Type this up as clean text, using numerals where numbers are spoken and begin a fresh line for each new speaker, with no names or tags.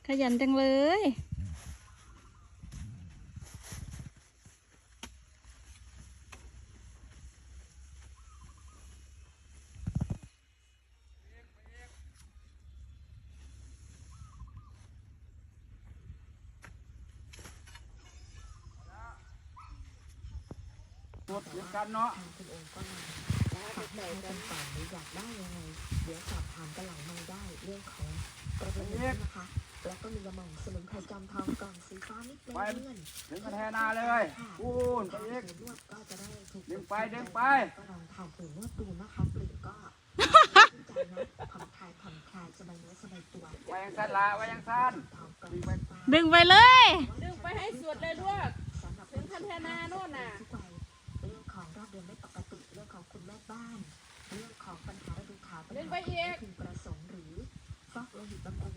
ขยันจังเลย
หมดเดียวกันเนาะ
คุณโอมก็มาฝากให้กันต่อหรืออยากได้ยังไงเดี๋ยวสอบถามกันหลังไม่ได้เรื่องของประเด็นนี้นะคะแล้วก็มีกระหม่อมสมุนไพรจอมทองกล่องสีฟ้านิดเงิน
ดึงกระแทนาเลยพูนไปอีก
นวดก็จะได้ถูก
ดึงไปดึงไป
ก็ลองทานปุ๋ยนวดดูนะคะเปลี่ยนก็ใจนะผ่อนคลายสบายเนื้อสบายตัว
ไว้ยังสั้นละไว้ยังสั้น
ทองกล่อง
ดึงไปเลย
ดึงไปให้สุดเลยด้วย
สำหรับ
ถึงพัฒนาโน่นน่ะ
ทุกวัยเรื่องของรอบเดือนไม่ปกติเรื่องของคุณแม่บ้านเรื่องของปัญหาฤดูขาวปัญหาพึงประสงค์หรือฟอกโลหิตบำรุง